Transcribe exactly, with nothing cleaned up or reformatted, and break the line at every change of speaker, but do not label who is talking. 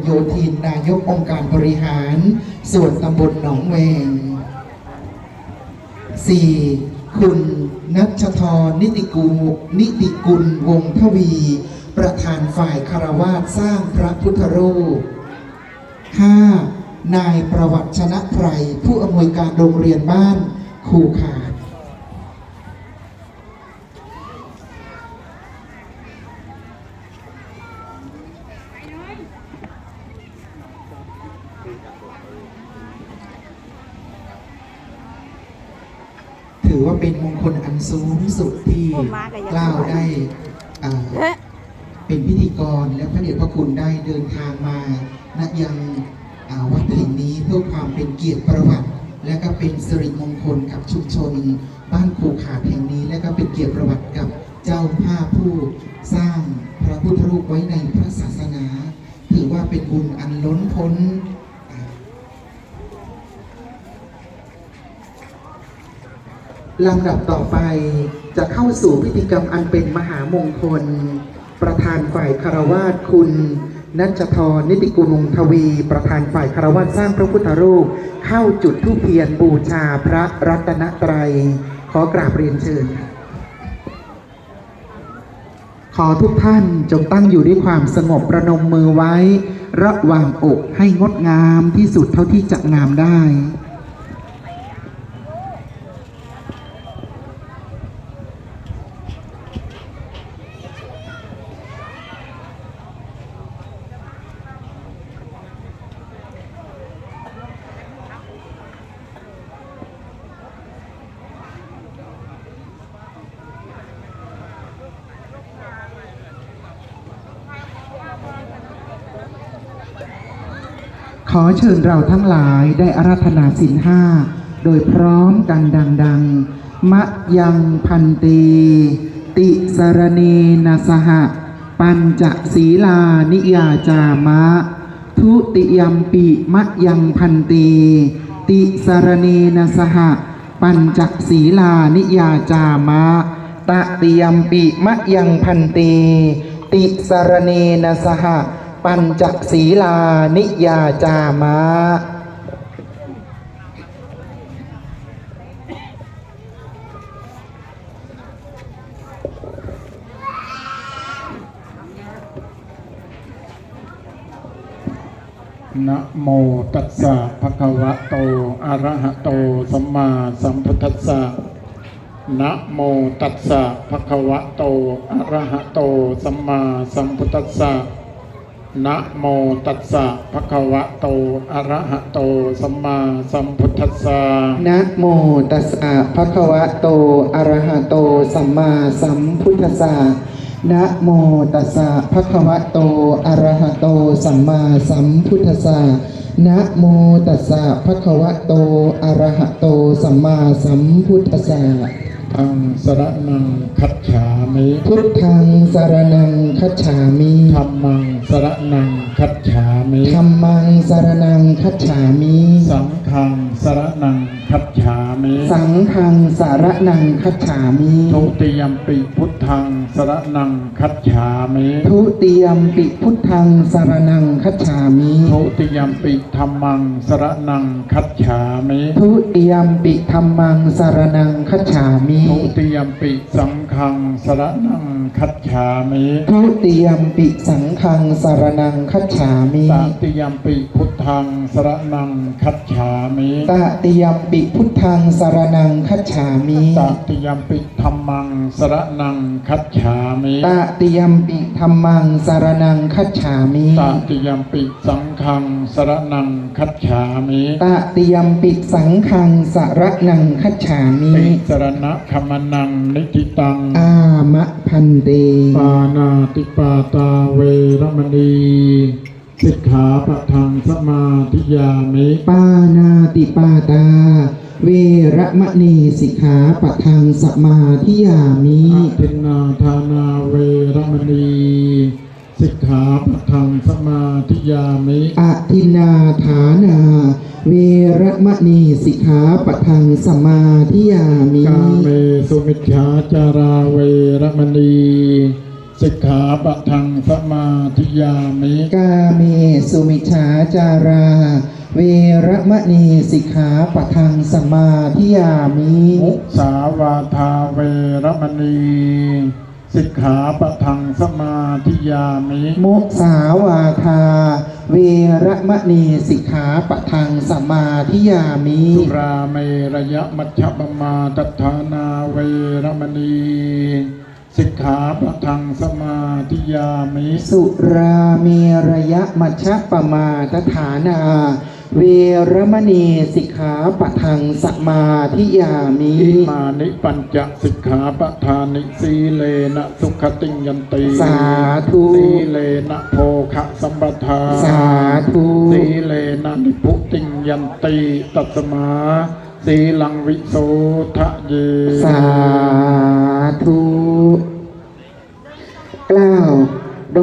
โยธินนายกองค์การบริหารส่วนตำบลหนองแวง สี่. คุณณัชธรนิติกุลนิติกุลวงศ์ทวีประธานฝ่ายคารวาสสร้างพระพุทธรูป ห้า. นายประวัติชนะไพรผู้อำนวยการโรงเรียนบ้านคูขาดถือว่าเป็นมงคลอันสูงสุดที่กล่าวได้เป็นพิธีกรและพระเดชพระคุณได้เดินทางมาณยังวัดแห่งนี้เพื่อความเป็นเกียรติประวัติและก็เป็นสิริมงคลกับชุมชนบ้านคูขาดแห่งนี้และก็เป็นเกียรติประวัติกับเจ้าภาพผู้สร้างพระพุทธรูปไว้ในพระศาสนาถือว่าเป็นบุญอันล้นพ้นลำดับต่อไปจะเข้าสู่พิธีกรรมอันเป็นมหามงคลประธานฝ่ายคารวาสคุณณัชธรนิติกุลวงศ์ทวีประธานฝ่ายคารวาสสร้างพระพุทธรูปเข้าจุดธูปเทียนบูชาพระรัตนตรัยขอกราบเรียนเชิญขอทุกท่านจงตั้งอยู่ด้วยความสงบประนมมือไว้ระหว่างอกให้งดงามที่สุดเท่าที่จะงามได้ขอเชิญเราทั้งหลายได้อาราธนาศีลห้าโดยพร้อมกันดังๆมะยังพันตีติสรณีนาสหะปัญจศีลานิยาจามะทุติยัมปิมะยังพันตีติสรณีนาสหะปัญจศีลานิยาจามะตติยัมปิมะยังพันตีติสรณีนาสหะปัญจศีลานิยาจามะนะโมตัสสะภะคะวะโตอะระหะโตสัมมาสัมพุทธัสสะนะโมตัสสะภะคะวะโตอะระหะโตสัมมาสัมพุทธัสสะนะโมตัสสะภะคะวะโตอะระหะโตสัมมาสัมพุทธัสสะนะโมตัสสะภะคะวะโตอะระหะโตสัมมาสัมพุทธัสสะนะโมตัสสะภะคะวะโตอะระหะโตสัมมาสัมพุทธัสสะนะโมตัสสะภะคะวะโตอะระหะโตสัมมาสัมพุทธัสสะธังสรณังคัจฉามิพุทธังสรณังคัจฉามิธัมมังสรณังคัจฉามิธัมมังสรณังคัจฉามิสังฆังสรณังคัจฉามิสังฆังสรณังคัจฉามิทุติยัมปิพุทธังสรณังคัจฉามิทุติยัมปิพุทธังสรณังคัจฉามิทุติยัมปิธัมมังสรณังคัจฉามิทุติยัมปิธัมมังสรณังคัจฉามิทุติยัมปิสังฆังสรณังคัจฉามิทุติยัมปิสังฆังสรณังคัจฉามิตติยัมปิพุทธังสรณังคัจฉามิตติยัมปิพุทธังสรณังคัจฉามิตติยัมปิธัมมังสรณังคัจฉามิตติยัมปิธัมมังสรณังคัจฉามิตติยัมปิสังฆังสรณังคัจฉามิตติยัมปิสังฆังสรณังคัจฉามิติสรณะคัมนังนิทิตังอามะพันเตปานาติปาตาเวรมณีสิกขาปะทังสมาธิยามิปานาติปาตาเวรมณีสิกขาปะทังสมาธิยามิทินนาทานาเวรมณีสิกขาปะทังสมาธิยามิอทินนาฐานาเวรมณีสิกขาปะทังสมาธิยามิกาเมสุมิจฉาจาราเวรมณีสิกขาปะทังสมาธิยามิ
กาเมสุมิจฉาจารา เวระมณีสิกขาปะทังสมาธิยามิ
มุสาวาทาเวรมณีสิกขาปะทังสมาธิยามิ
มุสาวาทา เวระมณีสิกขาปะทังสมาธิยามิ
สุราเมระยะมัชฌปมาตฐานาเวรมณีสิกขาปะทังสมาธิยามิ
สุราเมรยะมัชฌปมาทฐานา เวรมณีสิกขาปะทังสมาธิยามิ
อิมานิปัญจสิกขาปทานิสีเลนะสุขติงยันติ
สาธุ
สีเลนะโภคะสัมปทา
สาธุ
สีเลนะนิพุติงยันติตัสมาสีลังวิโสทะเย
สาธุกล่าว